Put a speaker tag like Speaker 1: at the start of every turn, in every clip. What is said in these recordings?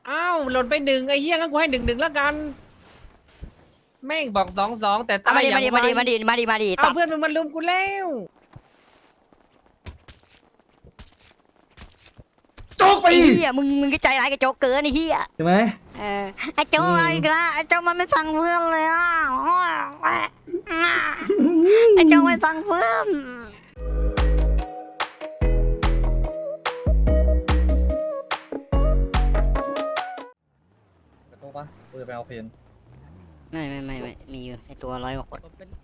Speaker 1: อ้าวหล่นไปหนึ่งไอ้เหี้ยงั้นกูให้1-1แล้วกันแม่งบอก2-2แต่ตายอย่างไว
Speaker 2: มาดิ
Speaker 1: เอาเพื่อนมันลุมกูแล้ว
Speaker 3: โจ๊กไป
Speaker 2: ไอ้เหี้ยมึงก็ใจร้ายกับโจ๊กเกินไอ้เหี้ย
Speaker 3: ใช่ไหม
Speaker 2: ไอ้โจ๊กอะไรกันละไอ้โจ๊กมันไม่ฟังเพื่อนเลยอ่ะไอ้โจ๊กไม่ฟังเพื่อน
Speaker 3: ไปตู้ปะกูจะไปเอาเพน
Speaker 2: ไม่มีอยู่ในตัว100 กว่าคน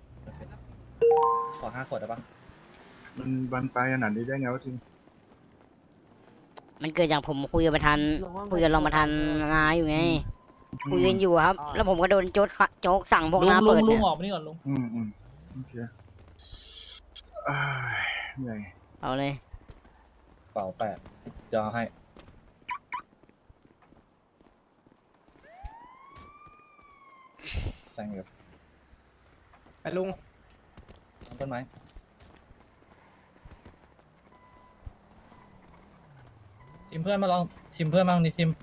Speaker 3: ขอ5 ขวดได้ปะ
Speaker 4: มันบานปลายขนาดนี้ได้ไงวะทีม
Speaker 2: มันเกิดจากผมคุยกับประธานรองประธานนาอยู่ไงคุยกันอยู่ครับ แล้วผมก็โดนโจ๊กสั่งพวกน้าเปิด
Speaker 1: ลุ
Speaker 2: เนี่
Speaker 1: ง
Speaker 2: ย
Speaker 1: ออกมานี่ก่อนลุง
Speaker 4: โอเคอ้ายเหนื่อย
Speaker 2: เอาเลย
Speaker 3: เป่า8จะเอาให้แซงอยู่
Speaker 1: ไปลุง
Speaker 3: ต้นไม้ทีมเพื่อนมาลองทีมเพื่อนมาลองนี่ทีม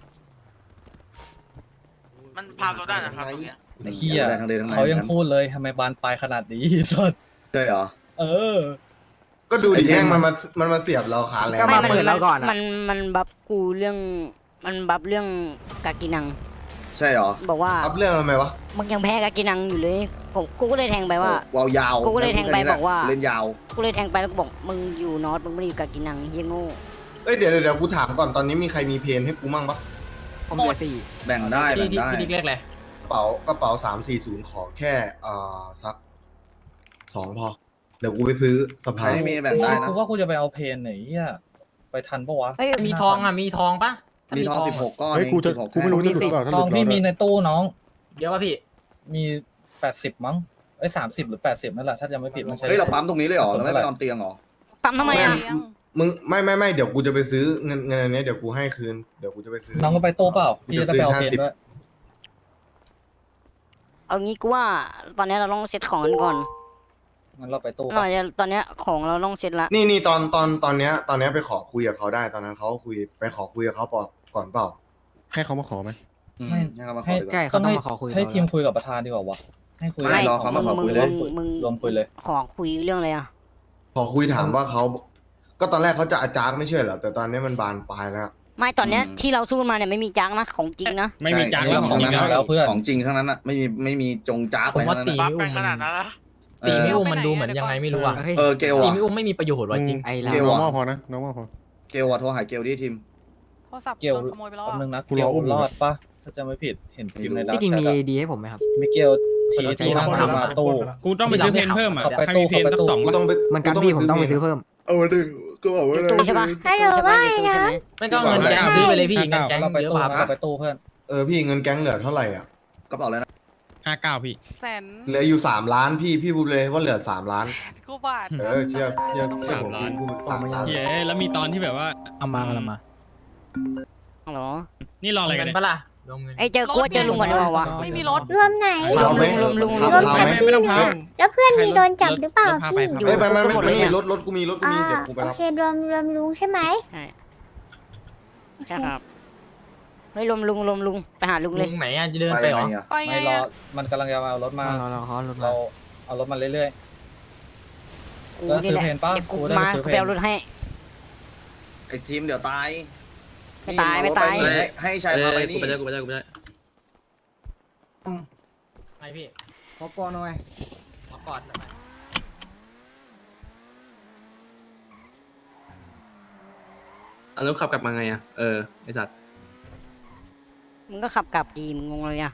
Speaker 5: มันพาตัวได้นะครับตรงเนี้ย
Speaker 3: ไอ้เหี้ยเขายังพูดเลยทำไมบานปลายขนาดนี้สด
Speaker 6: ใช่เหรอ
Speaker 3: เออ
Speaker 7: ก็ดูดิแม่งมันมาเสียบเราขาแล้ว
Speaker 2: ไม่มันบับกูเรื่องมันบับเรื่องกากินัง
Speaker 6: ใช่เหรอ
Speaker 2: บอกว่า
Speaker 7: อัพเรื่องทำไมวะ
Speaker 2: มึงยังแพ้กากินังอยู่เลยกูก็เลยแทงไปว่า
Speaker 6: วาวยาว
Speaker 2: กูก็เลยแทงไปบอกว่า
Speaker 6: เล่นยาว
Speaker 2: กูเลยแทงไปแล้วก็บอกมึงอยู่นอตมึงไม่ได้อยู่กากินังเฮียโง่
Speaker 7: เอ้ยเดี๋ยวกูถามก่อนตอนนี้มีใครมีเพนให้กูมั่งปะ
Speaker 1: ผมเหลือ4
Speaker 6: แบ่งได้แบ่งได้
Speaker 1: พี่ดิ๊กเรียกอะไร
Speaker 7: กระเป๋า340ขอแค่สัก2พอเดี๋ยวกูไปซื้อสะพาย
Speaker 6: ไม่มีแบ่งได้นะ
Speaker 3: กูว่ากูจะไปเอาเพนไหนเหี้ยไปทันปะวะ
Speaker 2: เฮ้ย
Speaker 1: มีทองอ่ะมีทองปะถ้า
Speaker 6: มีทอง
Speaker 1: อะ
Speaker 6: 16 ก้อน
Speaker 4: เฮ้ย
Speaker 6: เอง
Speaker 4: กูจะ
Speaker 6: 16
Speaker 4: กูไม่รู้จะหลุดเปล่าถ้า
Speaker 3: ท
Speaker 4: หลุ
Speaker 3: อง
Speaker 4: ด
Speaker 3: พี่
Speaker 4: เรา
Speaker 3: มี
Speaker 4: ได้
Speaker 3: ในตู้น้อง
Speaker 1: เยอะป่ะพี่
Speaker 3: มี80มั้งเอ้ย30 หรือ 80นั่นแหละถ้าจะไม่ผิดมันใช่
Speaker 6: เฮ้ยเราปั๊มตรงนี้เลยเหรอเราไม่ไปนอนเตียงเหรอ
Speaker 2: ปั๊มทำไมอ่ะ
Speaker 7: มึงไม่เดี๋ยวกูจะไปซื้อเงินอันนี้เดี๋ยวกูให้คืนเดี๋ยวกูจะไปซื้อ
Speaker 3: น้องก็ไปตู้เปล่าพี่จะไปเอาเพนด้วย
Speaker 2: เอางี้กูว่าตอนนี้เราต้องเซตของกันก่อน
Speaker 3: งั้นเราไปตู้
Speaker 2: หน่
Speaker 3: ปะ
Speaker 2: อยตอนนี้ของเราต้องเซตละ
Speaker 7: นี่ตอนเนี้ยไปขอคุยกับเขาได้ตอนนั้นเขาไปขอคุยกับเขาก่อนเปล่า
Speaker 4: ให้เขามาขอไหม
Speaker 6: ไม่ให้เขามาขอดีกว่า
Speaker 3: ให้ทีมคุยกับประธานดีกว่าวะให้คุย
Speaker 6: ไม่รอเขามาขอคุยเลย
Speaker 2: มึง
Speaker 3: รวมคุยเลย
Speaker 2: ขอคุยเรื่องอะไรอ่ะ
Speaker 7: ขอคุยถามว่าเขาก็ตอนแรกเขาจะอาจารย์ไม่ใช่เหรอแต่ตอนนี้มันบานปลายแล้ว
Speaker 2: ไม่ตอนเนี้ยที่เราสู้มาเนี่ยไม่มีจังนะของจริงนะ
Speaker 6: ไม่มีจ้างแล้วของจริงแล้วเพื่อนของจริงทั้งนั้นอ่ะไม่มีจงจ้า
Speaker 1: ผม
Speaker 6: อะไร
Speaker 1: ว่า
Speaker 6: ทั้ง
Speaker 1: ตี
Speaker 6: นั้น
Speaker 1: ไม่
Speaker 5: บัฟ
Speaker 1: อุ้
Speaker 5: กั
Speaker 1: ม
Speaker 5: นขนาดนั้นละ
Speaker 1: ตีไม่อุ้มมันดูเหมือนยังไงไม่รู้อ่ะ
Speaker 6: เกล
Speaker 1: ตี
Speaker 6: อ่ะ
Speaker 1: ไม่อุ้มไม่มีประโยชน์ว่ะจริง
Speaker 6: เกล
Speaker 4: น้อง
Speaker 6: อ่ะ
Speaker 4: ว่าพอนะน้องว่าพอ
Speaker 6: เกลอ่ะโทรหาเกลดิทีม
Speaker 8: โทรศัพท์
Speaker 3: เกี่ยว
Speaker 8: โดนขโมยไปแล้ว
Speaker 3: แป๊บ
Speaker 8: อ่ะ
Speaker 3: นึงนะ
Speaker 4: กู
Speaker 3: เกี่
Speaker 4: ร
Speaker 3: ย
Speaker 4: อ
Speaker 3: ว
Speaker 4: อุ้ม
Speaker 3: รอดปะถ้าจะไม่ผิดเห็นพิมพ์ในดาว
Speaker 9: พี่จริงมี
Speaker 3: แชทอะ
Speaker 9: ดีให้ผมไหมครับ
Speaker 3: มิเกลทีข้างมาตู้
Speaker 1: กูต้องไปซื้อเพนเพิ่มอ่ะ
Speaker 3: เข้าไปตู้เข้าไปตู้
Speaker 7: กูต้องไป
Speaker 9: มันกันพี่ผมต้องไปซื้อเพิ่ม
Speaker 6: เอามาดิก็บอก
Speaker 2: อ
Speaker 6: ว่า
Speaker 2: ยู่ตู้ใช่ปะ
Speaker 8: ฮัลโหลว่าไงนะ
Speaker 1: ไม่ต้องเงินแก๊งซื้อไปเลยพี่เงินแก๊ง
Speaker 3: เราไป
Speaker 1: เยอะ
Speaker 3: ตู้
Speaker 1: ป่ะ
Speaker 3: นะเราไปตู้เพื่อน
Speaker 7: พี่เงินแก๊งเหลือเท่าไหร่อ่ะ
Speaker 6: กระเป๋าเลยนะ
Speaker 1: 59พี่
Speaker 8: แสน
Speaker 7: เหลืออยู่3 ล้านพี่พูดเลยว่าเหลือ3 ล้าน
Speaker 8: กูบาท
Speaker 7: เชื่อผมพูด3 ล้าน
Speaker 1: เย้แล้วมีตอนที่แบบว่าเอามามา
Speaker 2: ฮัลโหล
Speaker 1: นี่รออะไรกันปะล่ะรวมเงิน
Speaker 2: ไอ้เจอกูว่าเจอลุงก่อนดีกว่าวะ
Speaker 8: ไม่มีรถ
Speaker 10: รวมไหน
Speaker 2: รวมลุง
Speaker 7: พาไหม
Speaker 1: ไม่ต้องพา
Speaker 10: แล้วเพื่อนมีโดนจับหรือเปล่าพี่
Speaker 7: เอ้ยไม่มีรถกูมีเดี๋ยวกูไป
Speaker 10: โอ
Speaker 7: รับ
Speaker 10: เครวมลุงใช่ไหม
Speaker 2: ใช่
Speaker 10: โอเค
Speaker 2: ใช่ครับเฮ้ยรวมลุงไปหาลุงเลย
Speaker 1: ลุงไหนอ่ะจะเดินไปเหรอ
Speaker 8: ไปไง
Speaker 3: ไม่รอ
Speaker 8: อะ
Speaker 3: มันกำลังจะมาเอารถมา
Speaker 9: เราเขาลดมา
Speaker 3: เราเอารถมาเรื่อย
Speaker 2: กู
Speaker 3: แล้ว
Speaker 2: นี่
Speaker 3: ซื้อ
Speaker 2: แหละ
Speaker 3: เพนปะ
Speaker 2: เดี๋ยวกู
Speaker 3: กูได้
Speaker 2: มา
Speaker 3: ไปซื้อเพน
Speaker 2: ไปเอารถให้
Speaker 6: ไอ้ทีมเดี๋ยวตาย
Speaker 2: ไม่ตายไม่ตาย
Speaker 6: ให้ชายพาไปนี่
Speaker 1: ไปพี่
Speaker 9: ขอก่อนหน่อย
Speaker 1: ขอกอดหน่อย
Speaker 9: แล้วขับกลับมาไงอ่ะไอสัตว์
Speaker 2: มึงก็ขับกลับดีมึงงงเลยอ่ะ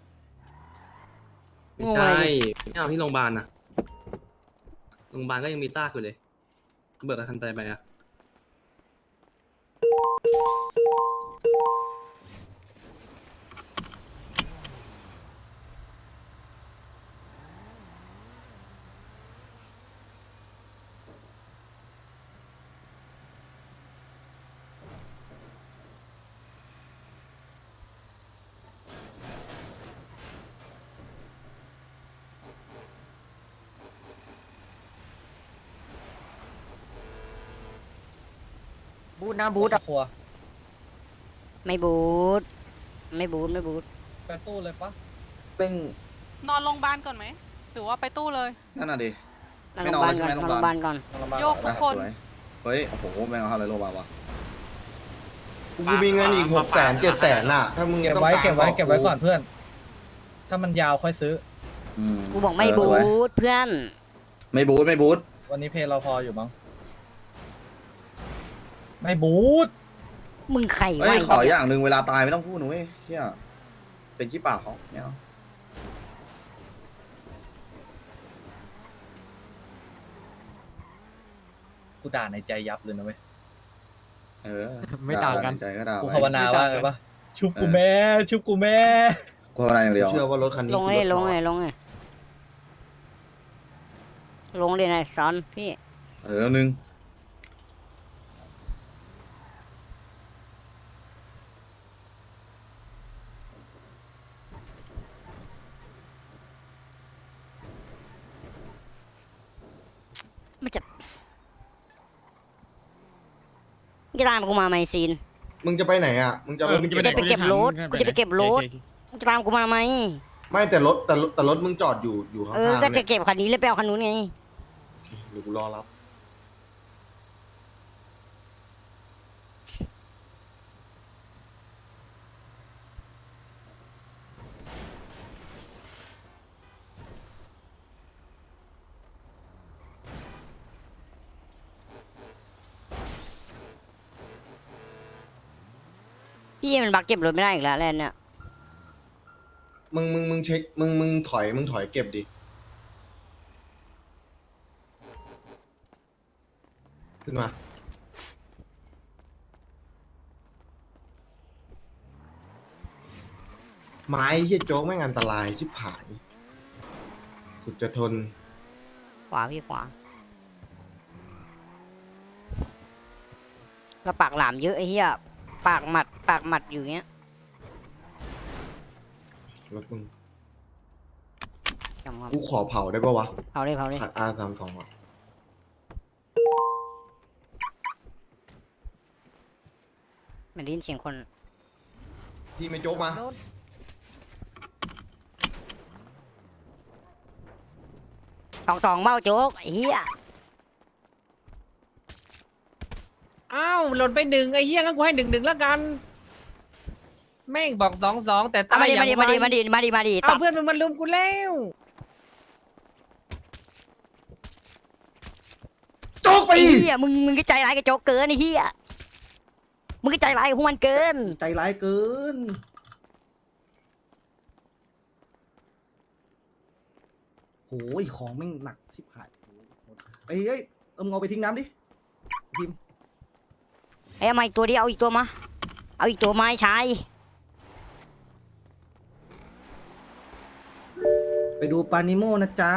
Speaker 9: ไม่ใช่ไม่เอาที่โรงพยาบาลนะโรงพยาบาลก็ยังมีซากอยู่เลยเบิกกับทันใจไปอ่ะบูธนะบูธ
Speaker 3: ครัว
Speaker 2: ไม่บูดไม่บูทไม่บูท
Speaker 3: ไปตู้เลยปะ
Speaker 7: เป็น
Speaker 8: นอนโรงพยาบาลก่อนไหมหรือว่าไปตู้เลย
Speaker 6: นั่นน่ะดิ
Speaker 2: นอน
Speaker 6: ไม่
Speaker 2: โร
Speaker 6: น
Speaker 2: ง
Speaker 6: อ
Speaker 2: พ
Speaker 6: น
Speaker 2: ยาบาล
Speaker 6: แล้ว
Speaker 2: ก่อน
Speaker 6: ใช่ไหม
Speaker 2: นอนโรงพยาบาลก่อน
Speaker 8: โยกทุกคน
Speaker 6: สวยเฮ้ย โอ้โหไม่เอาอะไรโรงพยาบาลวะ
Speaker 7: กูมีเงินอีก600,000 700,000น่ะ ถ้ามึง
Speaker 3: เก็บ
Speaker 7: ต้อง
Speaker 3: ไว้
Speaker 7: การ
Speaker 3: เก็บไว้
Speaker 7: บ
Speaker 3: เก็บไว้ก่อนเพื่อน ถ้ามันยาวค่อยซื้อ
Speaker 2: กูบอกไม่บู
Speaker 6: สวย
Speaker 2: ทเพื่อน
Speaker 6: ไม่บูทไม่บูท
Speaker 3: วันนี้เพลเราพออยู่มั้งไม่บูท
Speaker 2: มึงใคร
Speaker 6: เฮ้
Speaker 2: วะ
Speaker 6: ยขออย่างหนึ่งเวลาตายไม่ต้องพูดนะเว้ยเฮียเป็นขี้ปากเขาไม่เอา
Speaker 3: กูด่าในใจยับเลยนะเว้ย
Speaker 6: เออ
Speaker 1: ไม่ต่างกัน
Speaker 6: ใจก็ด่า
Speaker 3: กู
Speaker 6: ไป
Speaker 3: ภาวนาว่าไงปะชุบกูแม่ ชุบกูแม่
Speaker 6: กูภาวนาอย่างเดียว
Speaker 7: เชื่อว่ารถคันนี้
Speaker 2: ลง
Speaker 7: คือ
Speaker 2: เลย
Speaker 7: รถ
Speaker 2: ลง
Speaker 7: น้
Speaker 2: เล
Speaker 7: อย
Speaker 2: ยลงเลยลงเลยนายซอนพี่
Speaker 6: เออหนึ่ง
Speaker 2: มันจะตามกูมาไหมซีน
Speaker 7: มึงจะไปไหนอ่ะ มึงจะ
Speaker 2: กูจะไปเก็บรถกูจะไปเก็บรถมึงจะตามกูมาไหม
Speaker 7: ไม่แต่รถแต่รถมึงจอดอยู่ข้าง
Speaker 2: เออ
Speaker 7: ๆ
Speaker 2: ก็
Speaker 7: เนี่
Speaker 2: จะ
Speaker 7: ย
Speaker 2: เก็บคันนี้เลยไปเอาคันนู้นไง
Speaker 7: เดี๋ยวกูรอรับ
Speaker 2: พี่มันบักเก็บรถไม่ได้อีกแล้วแลนด์เนี่ย
Speaker 7: มึงเช็คมึงถอยเก็บดิ ขึ้นมา ไม้เฮียโจ๊กแม่งอันตรายชิบหายสุดจะทน
Speaker 2: ขวาพี่ขวาแล้วปากหลามเยอะไอ้เหี้ยปากหมัดอยู่เงี้ย
Speaker 7: รถมึง
Speaker 2: จำครับ
Speaker 7: กูขอเผาได้ปะวะ
Speaker 2: เผาเลย
Speaker 7: ขัด R32 อ่ะ
Speaker 2: มันได้ยินเสียงคน
Speaker 7: ที่ไม่โจ๊กมา
Speaker 2: 2-2เบ้าโจ๊กไอ้เหี้ย
Speaker 1: อ้าวหล่นไปหนึ่งไอ้เหี้ยงั้นกูให้1-1แล้วกัน แม่งบอก2-2แต่
Speaker 2: เอา
Speaker 1: ตายอย่าง
Speaker 2: มาดิ
Speaker 1: ไว
Speaker 2: มาดิ
Speaker 1: เอาเพื่อนมันลุมกูแล้ว
Speaker 7: โจ๊กไป
Speaker 2: ไอ้เหี้ยมึงก็ใจร้ายกับโจ๊กเกินไอ้เหี้ยมึงก็ใจร้ายกับพวกมันเกิน
Speaker 7: ใจร้ายเกิน
Speaker 11: โหยของแม่งหนักชิบหายเอ้ยเอาเอาไปทิ้งน้ำดิทีม
Speaker 2: ไอ้เอามาอีกตัวดิเอาอีกตัวมาเอาอีกตัวมาให้ชาย
Speaker 11: ไปดูปานิโมนะจ๊ะ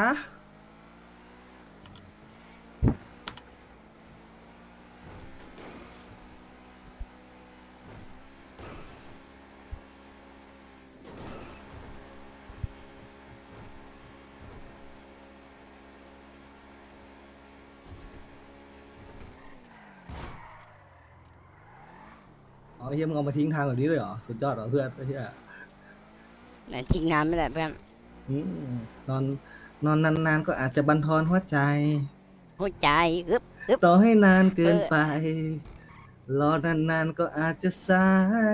Speaker 11: อ๋อเฮียมึงเอามาทิ้งทางแบบนี้เลยเหรอ สุดยอดเหรอเพื่อนเฮีย
Speaker 2: ไหนทิ้งน้ำไม่ได้เพื่อน
Speaker 11: อืมนอนนานๆก็อาจจะบั่นทอนหัวใจ
Speaker 2: หัวใจอึ๊บ
Speaker 11: ต่อให้นานเกินไป รอนานๆก็อาจจะสาย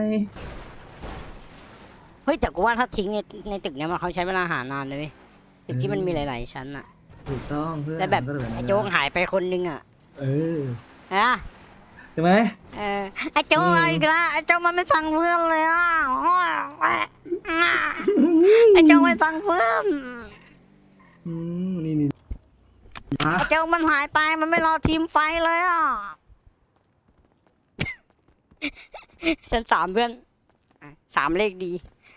Speaker 2: เฮ้ยแต่กูว่าถ้าทิ้งในตึกเนี้ยมันเขาใช้เวลาหานานเลยเว้ยตึกที่มันมีหลายๆชั้นอะ
Speaker 11: ถูกต้องเพื่อน
Speaker 2: แต่แบบ
Speaker 11: ก็นั้น
Speaker 2: ไอ้โจ๊กหายไปคนนึงอะ
Speaker 11: เออ
Speaker 2: ฮะ
Speaker 11: ใช่ไหม
Speaker 2: ไอ้โจ๊ก
Speaker 11: อืม
Speaker 2: อะไรอีกแล้วไอ้โจ๊กมันไม่ฟังเพื่อนเลยอะไอ้โจ๊กไม่ฟังเพื่อน
Speaker 11: นี่อ่ะ
Speaker 2: ไอ้โจ๊กมันหายไปมันไม่รอทีมไฟเลยอะฉัน3เพื่อน3เลขดี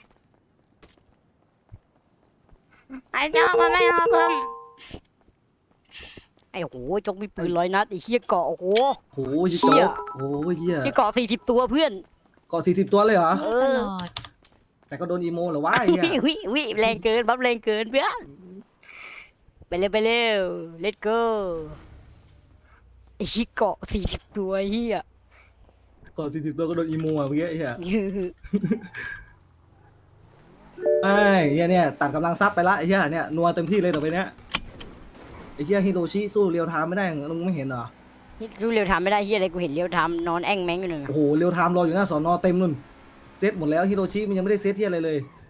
Speaker 2: ไอ้โจ๊กมันไม่รอเพื่อนไอ้โหโจ๊กมีปืน100 นัดไอ้เหี้ยเกาะโอ้โห
Speaker 11: โห
Speaker 2: เชี่
Speaker 11: โจ๊
Speaker 2: ย
Speaker 11: กโอ้ยเฮีย
Speaker 2: ที่เกาะ40 ตัวเพื่อน
Speaker 11: เกาะ40 ตัวเลยเหรอ
Speaker 2: เออ
Speaker 11: แต่ก็โดนอีโมเหรอวะไอ้เฮีย
Speaker 2: วิแรงเกินบัฟแรงเกินเพื่อนไปเร็ว let's go ไอ้ชิเกาะ40 ตัวเฮีย
Speaker 11: เกาะ40 ตัวก็โดนอีโมอ่ะเมื่อกี้ไอ้เฮียไอ้เนี่ยตัดกำลังซับไปละไอ้เหี้ยเนี่ยนัวเต็มที่เลยต่อไปเนี้ยไอ้เหี้ยฮิโรชิสู้เรียวไทม์ไม่ได้มึงไม่เห็นเหรอ
Speaker 2: ดูเรียวทำไม่ได้เฮียอะไรกูเห็นเรียวทำนอนแอ่งแมงอยู่หนึ่ง
Speaker 11: โอ้โหเรียวไทม์รออยู่หน้าสอนอเต็มนุ่นเซตหมดแล้วฮิโรชิมันยังไม่ได้เซตที่อะไรเลย